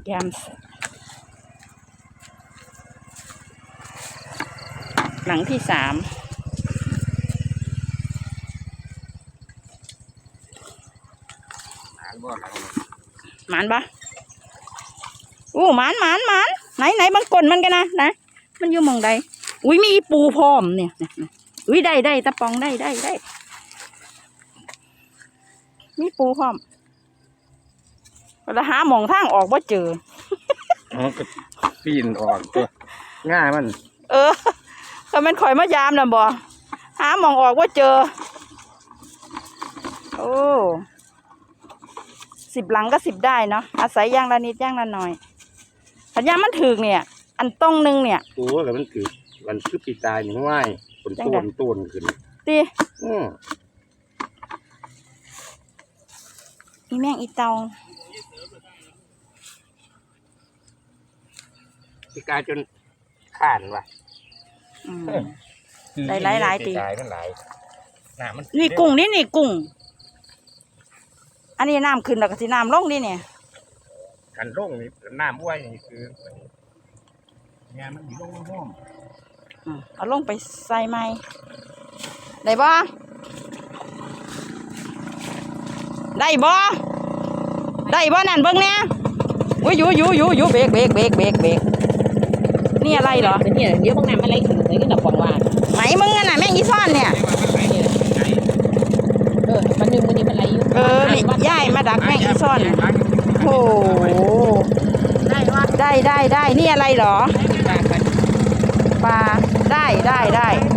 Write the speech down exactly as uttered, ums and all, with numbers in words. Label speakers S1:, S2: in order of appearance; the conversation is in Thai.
S1: ยามหลังที่สามหมานปะอู้หมานหมานหมานไหนไหนบางกลมันกันนะนะมันอยู่มองใดอุ้ยมีปูพร้อมเนี่ยอุ้ยได้ได้ตะปองได้ได้ได้มีปูพร้อมเราหาหมองทางออกว่าเจอ
S2: อ๋อก็ปีนออกตัวง่ายมัน
S1: เออถ้ามันข่อยมายามนะบ่หาหมองออกว่าเจอโอ้สิบหลังก็สิบได้เนาะอาศัยย่างละนิดย่างละหน่อยสัญญามันถึกเนี่ยอันตรงนึงเนี่ย
S2: โอ้แล้วมันคือมันคือปีตายอย่างง่ายต้นต้นต้นขึ้น
S1: ตี
S2: อืม
S1: อีแมงอีเตา
S2: ปีกายจนข่านว่ะ
S1: ได้หลายหลายตี
S2: มันหลายน้ำมัน
S1: นี่กุ้งนี่นี่กุ้งอันนี้น้ำขึ้นแล้วก็สิน้ำลงนี่เนี่ย
S2: กันลงนี่น้ำบ้วยนี่คืองานมันอยู่ลงห้อง
S1: เอาลงไปใส่ไม้ได้บ่ได้บ่ได้บ่นั่นเบิ่งเนี่ยอุ้ยอยู่อยู่อยู่อยู่เบรกเบรกเบรกเบรกเบรกนี่อะไรเหรอ
S3: เนี่ยเดี๋ยวบางน้ำอะไรขึ้นเลยก็ดับฟองว่า
S1: ไหมมึงอ่ะนะแม่งอีซ่อนเนี่ย
S3: เออมันนึงมันนี่มันไหลอยู่
S1: เออย่ายมาดักแม่งอีซ่อนโอ้ได้ได้ได้ได้นี่อะไรเหรอปลาได้ได้ได้